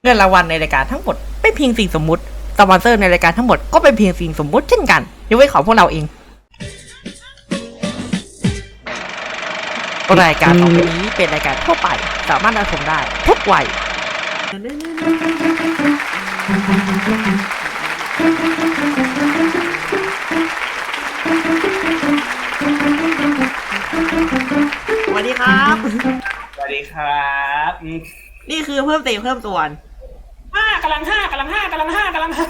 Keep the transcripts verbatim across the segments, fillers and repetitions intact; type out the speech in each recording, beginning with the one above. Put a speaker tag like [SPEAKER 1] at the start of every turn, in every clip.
[SPEAKER 1] เงินรางวัลในรายการทั้งหมดเป็นเพียงสิ่งสมมุติสปอนเซอร์ในรายการทั้งหมดก็เป็นเพียงสิ่งสมมุติเช่นกันยกเว้นของพวกเราเองรายการต่อไปนี้เป็นรายการทั่วไปสามารถรับชมได้ทุกวัยสวัสดีครับ
[SPEAKER 2] สวัสดีครับ
[SPEAKER 1] นี่คือเพิ่มเติมเพิ่มส่วน
[SPEAKER 2] ห้ากำลังห้ากำลังห้ากำลังห้ากำลังห้า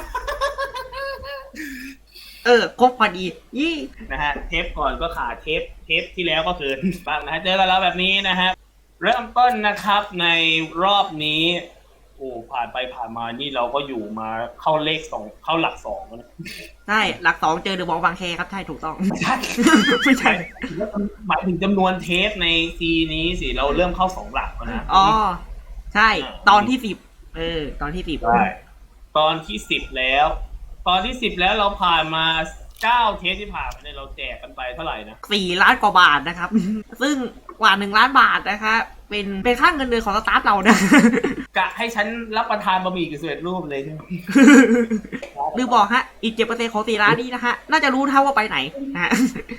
[SPEAKER 1] เออครบพอดียี่
[SPEAKER 2] นะฮะเทปก่อนก็ขาดเทปเทปที่แล้วก็เกินบ้างนะฮะเจอกันแล้วแบบนี้นะฮะเริ่มต้นนะครับในรอบนี้โอ้ผ่านไปผ่านมานี่เราก็อยู่มาเข้าเลขสองเข้าหลักสองนะ
[SPEAKER 1] ใช่หลักสองเจอเดอะบองบางแคครับใช่ถูกต้อง
[SPEAKER 2] ไม่ใช่ไม่ใช่หมายถึงจำนวนเทปในซีนี้สิเราเริ่มเข้าสองหลักแล้วนะ
[SPEAKER 1] อ๋อใช่ตอนที่สิบเออตอนที่สิบ
[SPEAKER 2] ใช่ตอนที่สิบแล้วตอนที่สิบแล้วเราผ่านมาเก้าเทปที่ผ่านมาเนี่ยเราแจกกันไปเท่าไหร่นะ
[SPEAKER 1] สี่ล้านกว่าบาทนะครับซึ่งกว่าหนึ่งล้านบาทนะคะเป็นเป็นค่าเงินเดือนของสตาฟเรานะ
[SPEAKER 2] กะให้ฉันรับประทานบะหมี่กึ่งสำเร็จรูปเลยใช่ไหม
[SPEAKER 1] ลืมบอกฮะอีกเจ็ดเปอร์เซ็นต์ของสี่ล้านนี้นะฮะน่าจะรู้เท่าว่าไปไหนนะฮะ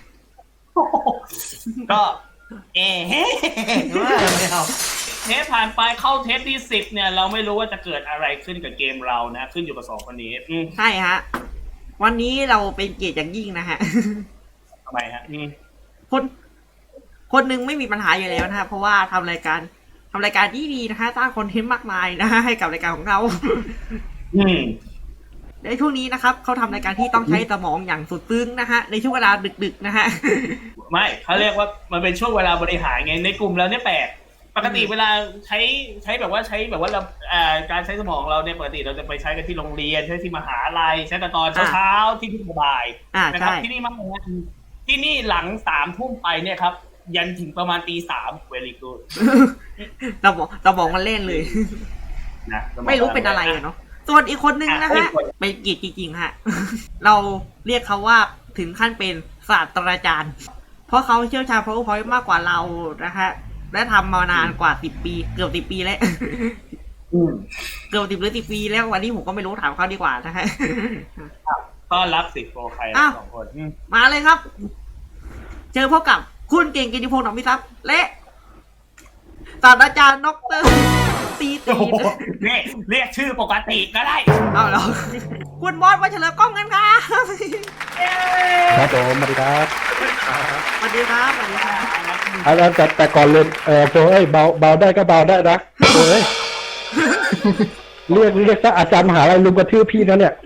[SPEAKER 2] ก็เอ๊ะไม่เอาเทปผ่านไปเข้าเทปที่สิบเนี่ยเราไม่รู้ว่าจะเกิดอะไรขึ้นกับเกมเรานะขึ้นอยู่กับสองคนนี้
[SPEAKER 1] ใช่ฮะวันนี้เราเป็นเกียรติอย่างยิ่งนะฮะ
[SPEAKER 2] ทำไมฮะ
[SPEAKER 1] คนคนหนึ่งไม่มีปัญหาอยู่แล้วนะฮะเพราะว่าทำรายการทำรายการที่ดีนะฮะสร้างคอนเทนต์มากมายนะฮะให้กับรายการของเรา
[SPEAKER 2] อืม
[SPEAKER 1] ในช่วงนี้นะครับเขาทำรายการที่ต้องใช้สมองอย่างสุดซึ้งนะฮะในช่วงเวลาดึกๆนะฮะ
[SPEAKER 2] ไม่เขาเรียกว่ามันเป็นช่วงเวลาบริหารไงในกลุ่มเราเนี่ยแปลกปกติเวลาใช้ใช้แบบว่าใช้แบบว่าเราการใช้สมองเราเนี่ยปกติเราจะไปใช้กันที่โรงเรียนใช้ที่มหาลัยใช้กันตอนเช้าๆที่ที่สบายนะครับที่นี่มากที่นี่หลังสามทุ่มไปเนี่ยครับยันถึงประมาณตีสามเวลิกูด
[SPEAKER 1] สมองสมองมันเล่นเลยนะไม่รู้เป็นอะไรเนาะส่วนอีกคนนึงนะฮะเป็นกีดจริงๆฮะเราเรียกเขาว่าถึงขั้นเป็นศาสตราจารย์เพราะเขาเชี่ยวชาญ PowerPoint มากกว่าเรานะฮะและทำมานานกว่าสิบปีเกือบสิบปีแล้วเกือบสิบหรือสิบปีแล้ววันนี้ผมก็ไม่รู้ถามเขาดีกว่านะฮะ
[SPEAKER 2] ต้อนรับสิโปรใครสองคน
[SPEAKER 1] มาเลยครับเจอพบกับคุณเก่งกิติพงษ์หนองพิทักษ์และศาสตราจารย์ดร.ตีตี
[SPEAKER 2] เรียกเรียกชื่อปกติก็ได้
[SPEAKER 1] เอาเหรอคุณบอสมาเฉลิมกล้องกันครับ
[SPEAKER 3] ครับผมสวัสดีครับ
[SPEAKER 1] สวัสดีครับสวัสดีครับ
[SPEAKER 3] เอาแต่แต่ก่อนเลยเออโอ้ยเบาเบาได้ก็เบาได้นะโอ้ยเรียกเรียกซะอาจารย์มหาลัยลุงกระทืบพี่นะเนี่ย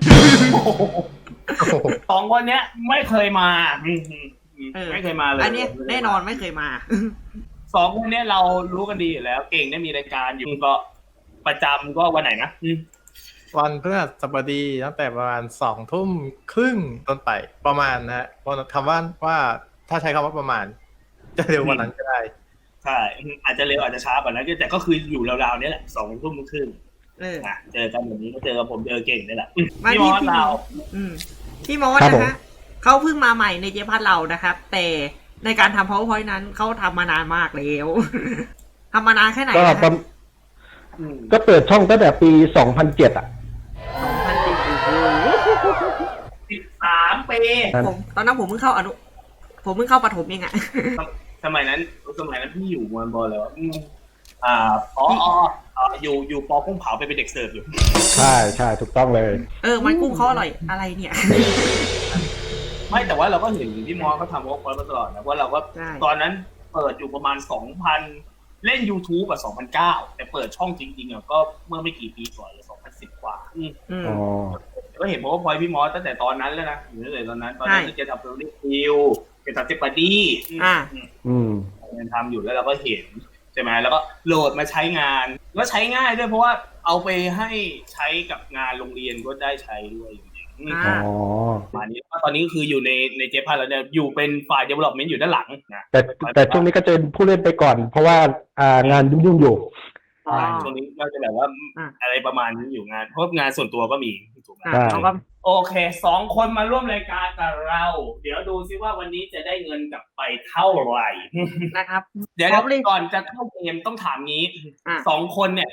[SPEAKER 2] สองคนเนี้ยไม่เคยมาไม่เคยมาเลย
[SPEAKER 1] อันนี้แน่นอนไม่เคยมา
[SPEAKER 2] สองคนนี้เรารู้กันดีอยู่แล้วเก่งได้มีรายการอยู่ก็ประจำก็วันไหนนะ
[SPEAKER 4] วันพฤหัสบดีตั้งแต่ประมาณสองทุ่มครึ่งต้นไปประมาณนะฮะเพราะคำว่าว่าถ้าใช้คำว่าประมาณจะเร็วกว่านั้นก็ได้
[SPEAKER 2] ใช่อาจจะเร็วอาจจะช้ากว่านั้นแต่ก็คืออยู่ราวๆนี้แหละสองทุ่มครึ่งเจอกันแบบนี้ก็เจอกับผมเจอเก่งนี่แหละพี่มอสเรา
[SPEAKER 1] พี่มอสนะฮะเขาเพิ่งมาใหม่ในเจพัทเรานะครับแต่ในการทำ PowerPoint นั้นเขาทำมานานมากแล้วทำมานานแค่ไหน
[SPEAKER 3] ก็ก็เปิดช่องตั้งแต่ปีสองพันเจ็ดอ่ะ
[SPEAKER 1] สองพันเจ็ด
[SPEAKER 2] สิบสามปี
[SPEAKER 1] ผมตอนนั้นผมเพิ่งเข้าอนุผมเพิ่งเข้าประถมเองอ่ะ
[SPEAKER 2] สมัยนั้นสมัยนั้นพี่อยู่มันบอลแล้วอ่าอ๋ออ๋ออยู่อยู่ปอกุ้งเผาไปเป็นเด็กเสิร์ฟอยู่
[SPEAKER 3] ใช่ใช่ถูกต้องเลย
[SPEAKER 1] เออมันกุ้งเขาอร่อยอะไรเนี่ย
[SPEAKER 2] ไม่แต่ว่าเราก็เห็นพี่มอสเขาทำวอล์กพอยต์มาตลอดนะว่าเราก็ตอนนั้นเปิดอยู่ประมาณสองพันเล่น YouTube อ่ะสองพันเก้าแต่เปิดช่องจริงๆอ่ะก็เมื่อไม่กี่ปีก่อนเลยสองพันสิบกว่า
[SPEAKER 3] อ๋อ
[SPEAKER 2] ก็เห็นวอล์กพอยต์พี่มอสตั้งแต่ตอนนั้นแล้วนะอยู่ตั้งแต่ตอนนั้นตอนนั้นที่แกทำเรื่องคิวแกทำเจปาดี้
[SPEAKER 1] อ่า
[SPEAKER 3] อืม
[SPEAKER 2] ทำอยู่แล้วเราก็เห็นใช่ไหมแล้วก็โหลดมาใช้งานแล้วใช้ง่ายด้วยเพราะว่าเอาไปให้ใช้กับงานโรงเรียนก็ได้ใช้ด้วย
[SPEAKER 3] อ๋อ
[SPEAKER 2] มานี้ตอนนี้คืออยู่ในในเจพัทแล้วเนี่ยอยู่เป็นฝ่าย development อยู่ด้านหลังนะ
[SPEAKER 3] แต่แต่ช่วงนี้ก็จะผู้เล่นไปก่อนเพราะว่าอ่างานยุ่งๆอยู่
[SPEAKER 2] ช่วงนี้ก็จะแบบว่าอะไรประมาณนี้อยู่งานเพราะงานส่วนตัวก็มีถูกไหมโอเคสองคนมาร่วมรายการกับเราเดี๋ยวดูซิว่าวันนี้จะได้เงินกลับไปเท่าไหร่
[SPEAKER 1] นะครับ
[SPEAKER 2] เดี๋ยวก่อนจะเข้าเกมต้องถามงี้สองคนเนี่ย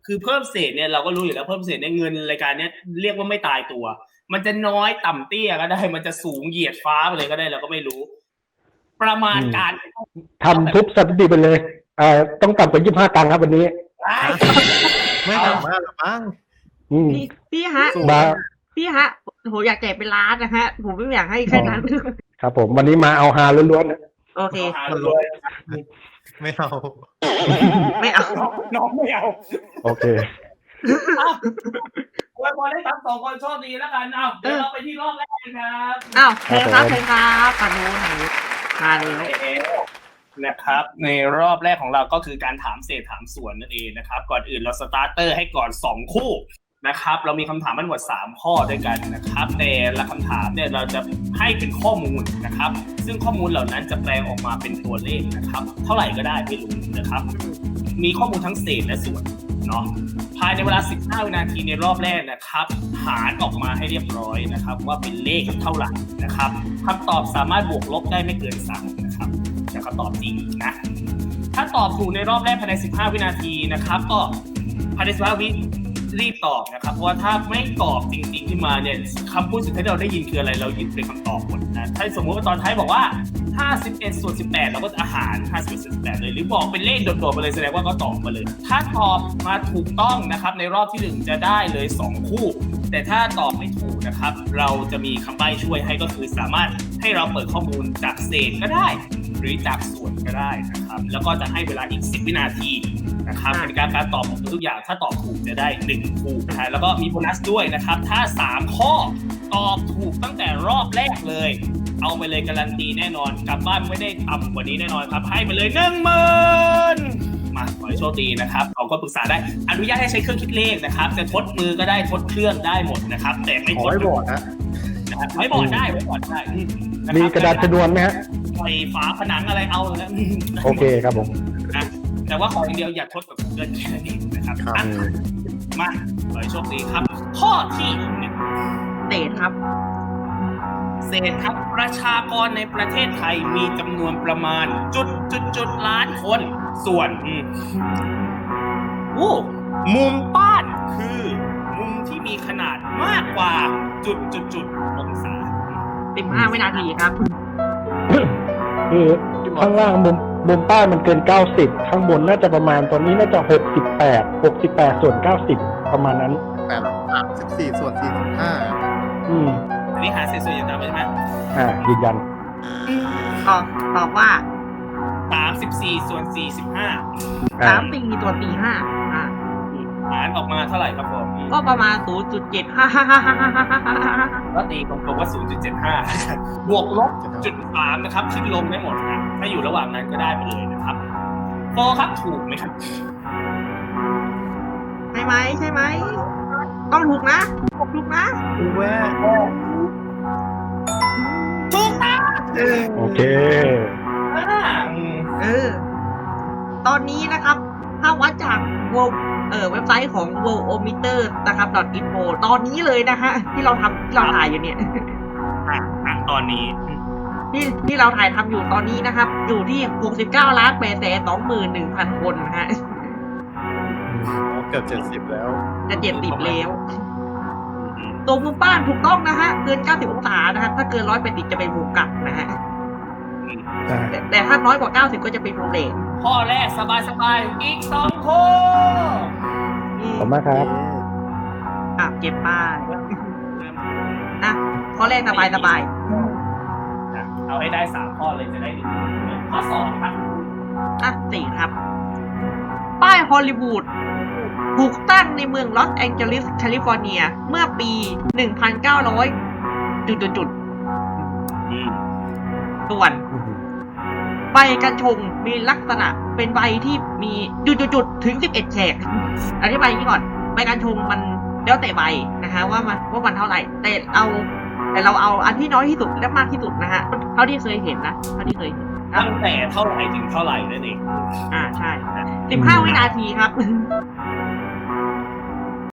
[SPEAKER 2] คือเพิ่มเศษเนี่ยเราก็รู้อยู่แล้วเพิ่มเศษเนี่ยเงินรายการเนี้ยเรียกว่าไม่ตายตัว มันจะน้อยต่ำเตี้ยก็ได้มันจะสูงเหยียดฟ้าไปเลยก็ได้เราก็ไม่รู้ ประมาณการ
[SPEAKER 3] ทำทุบสถิติไปเลยเอ่อต้องต่ำกว่ายี่สิบห้าตังค์ครับวันนี้
[SPEAKER 4] ไม่ต่ำมากหรอกมั้ง
[SPEAKER 3] อืม
[SPEAKER 1] พี่พี่ฮะ
[SPEAKER 3] มา
[SPEAKER 1] พี่ฮะผมอยากแจกเป็นล้านนะฮะ ผมไม่อยากให้แค่นั้น
[SPEAKER 3] ครับผมวันนี้มาเอาฮาล้วนๆนะ
[SPEAKER 1] โอเค
[SPEAKER 2] มันรวย
[SPEAKER 4] ไม่เอา
[SPEAKER 1] ไม่เอา
[SPEAKER 2] น้องไม่เอา
[SPEAKER 3] โอเค
[SPEAKER 2] อวยพรให้ทั้งสองคนโชคดีแล้วกันเอาเดี๋ยวเราไปที่รอบแรกกันครับ
[SPEAKER 1] อ้าวเชิญครับเชิญครับปานูหนูมาเลย
[SPEAKER 2] นะครับในรอบแรกของเราก็คือการถามเศษถามส่วนนั่นเองนะครับก่อนอื่นเราสตาร์เตอร์ให้ก่อนสองคู่นะครับเรามีคำถามทั้งหมดสามข้อด้วยกันนะครับแต่ละคำถามเนี่ยเราจะให้เป็นข้อมูลนะครับซึ่งข้อมูลเหล่านั้นจะแปลงออกมาเป็นตัวเลขนะครับเท่าไหร่ก็ได้ไม่รู้นะครับมีข้อมูลทั้งเศษและส่วนเนาะภายในเวลาสิบห้าวินาทีในรอบแรกนะครับหารออกมาให้เรียบร้อยนะครับว่าเป็นเลขเท่าไหร่นะครับคำตอบสามารถบวกลบได้ไม่เกินสามนะครับแต่คำตอบจริงนะถ้าตอบถูกในรอบแรกภายในสิบห้าวินาทีนะครับก็ภายในสิบห้าวิรีบตอบนะครับเพราะว่าถ้าไม่ตอบจริงๆขึ้นมาเนี่ยคำพูดสุดท้ายที่เราได้ยินคืออะไรเรายึดเป็นคำตอบหมดนะถ้าสมมติว่าตอนท้ายบอกว่าห้าสิบเอ็ดส่วนสิบแปดเราก็อาหารห้าสิบเอ็ดส่วนสิบแปดเลยหรือบอกเป็นเลขโดดๆมาเลยแสดงว่าก็ตอบมาเลยถ้าตอบมาถูกต้องนะครับในรอบที่หนึ่งจะได้เลยสองคู่แต่ถ้าตอบไม่ถูกนะครับเราจะมีคำใบ้ช่วยให้ก็คือสามารถให้เราเปิดข้อมูลจากเศษก็ได้หรือจากส่วนก็ได้นะครับแล้วก็จะให้เวลาอีกสิบวินาทีนะครับเป็นการการตอบของทุกอย่างถ้าตอบถูกจะได้หนึ่งคู่นะฮะแล้วก็มีโบนัสด้วยนะครับถ้าสามข้อตอบถูกตั้งแต่รอบแรกเลยเอาไปเลยการันตีแน่นอนกลับบ้านไม่ได้ต่ำกว่านี้แน่นอนครับให้ไปเลยหนึ่งหมื่นมาขอให้โชคดีนะครับเราก็ปรึกษาได้อนุญาตให้ใช้เครื่องคิดเลขนะครับจะทดมือก็ได้ทดเครื่องได้หมดนะครับแต่ไม่
[SPEAKER 4] ข
[SPEAKER 2] ท
[SPEAKER 4] อ
[SPEAKER 2] ด
[SPEAKER 4] ให้บอดนะ
[SPEAKER 2] นะครับไว้บอร์ดได้ไว้บอร์ดได้นคบ
[SPEAKER 3] มีกระดาษชนวนไหมฮะ
[SPEAKER 2] ไฟฝาผนังอะไรเอาเลยนะ
[SPEAKER 3] โอเคครับผม
[SPEAKER 2] นะแต่ว่าขออย่างเดียวอย่าทดกับเกินแค่นี้นะครับ
[SPEAKER 4] ครับ
[SPEAKER 2] อ่ะมาขอให้โชคดีครับ ข้อที่หนึ่ง
[SPEAKER 1] เศษครับ
[SPEAKER 2] เศษครับประชากรในประเทศไทยมีจำนวนประมาณจุดจุดจุดล้านคน ส่วนอืมโอ้มุมบ้านคือมุมที่มีขนาดมากกว่าจุดจุดจุดองศา
[SPEAKER 1] สิบห้าวินาทีครับ
[SPEAKER 3] คือข้างล่างมุมมุมใต้มันเกินเก้าสิบข้างบนน่าจะประมาณตอนนี้น่าจะหกสิบแปด หกสิบแปดส่วนเก้าสิบประมาณนั้น
[SPEAKER 4] แปดสามสิบสี่ส่วนสี่สิบห้า
[SPEAKER 3] อืม
[SPEAKER 2] อันนี้หาเศษส่วนอย่างต่ำใช่ไหม
[SPEAKER 3] อ่ายืนยัน
[SPEAKER 1] ตอบตอบว่า
[SPEAKER 2] สามสิบสี่ส่วนสี่สิบห้า
[SPEAKER 3] อ่า
[SPEAKER 1] สามตีตัวตีห้าอ่า
[SPEAKER 2] หารออกมาเท่าไหร่ครับผม
[SPEAKER 1] ก็ประมาณศูนย์จุดเจ็ดห้าห้าห้าห้าห้าห้าห้า
[SPEAKER 2] ก็ตีกลมๆว่า ศูนย์จุดเจ็ดห้า บวกลบจุดสามนะครับคิดลงได้หมดนะถ้าอยู่ระหว่างนั้นก็ได้ไปเลยนะครับโฟครับถูกไหมครับ
[SPEAKER 1] ใช่ไหมใช่ไหมต้องถูกนะถูกนะ
[SPEAKER 4] ดูแว่
[SPEAKER 2] ถูกต้อง
[SPEAKER 3] โอเค
[SPEAKER 2] อ่าอืม
[SPEAKER 1] เออ ตอนนี้นะครับ ถ้าวัดจากเวเออเว็บไซต์ของ worldometer นะครับ .info ตอนนี้เลยนะฮะ ที่เราทำที่เราถ่ายอยู่เนี่ย
[SPEAKER 2] อ่ะอ่ะตอนนี้
[SPEAKER 1] ที่ที่เราถ่ายทำอยู่ตอนนี้นะครับ อยู่ที่หกสิบเก้าล้านแปดแสนสองหมื่นหนึ่งพันคนนะฮะ
[SPEAKER 4] เกือบเจ็ดสิบแล้ว
[SPEAKER 1] จะเจ็ดสิบแล้วตัวมุมบ้านถูกต้องนะฮะ เกินเก้าสิบองศานะฮะถ้าเกินร้อยแปดสิบจะเป็นมุมกลับนะฮะ
[SPEAKER 3] อ่า
[SPEAKER 1] แต่แต่ถ้าน้อยกว่าเก้าสิบก็จะเป็นมุมเหลน
[SPEAKER 2] ข้อแรกสบายๆอีกสองข้อ
[SPEAKER 1] อืม
[SPEAKER 3] ขอบคุณมากครับ
[SPEAKER 1] อ่ะเก็บป้ายนะข้อแรกสบายสบาย
[SPEAKER 2] นะเอาให้ได้สามข้อเลยจะได้หนึ่งข้อสองครับ
[SPEAKER 1] อ่ะสี่ครับ ป้ายฮอลลีวูดถูกตั้งในเมืองลอสแองเจลิสแคลิฟอร์เนีย เมื่อปี หนึ่งพันเก้าร้อย จุดจุด
[SPEAKER 2] อืม
[SPEAKER 1] ๆส่วน ใบกัญชงมีลักษณะเป็นใบที่มีจุดๆๆถึงสิบเอ็ดแฉกอธิบายอย่างนี้ก่อนใบกัญชงมันแล้วแต่ใบนะฮะว่ามันว่ามันเท่าไหร่ แต่เอาแต่เราเอาอันที่น้อยที่สุดและมากที่สุดนะฮะเท่าที่เคยเห็นนะเท่าที่เคยเห็นนะ
[SPEAKER 2] ตั้งแต่เท่าไหร่ถึงเท่าไหร่นั่นเอง
[SPEAKER 1] อ่าใช่สิบห้าวินาทีครับ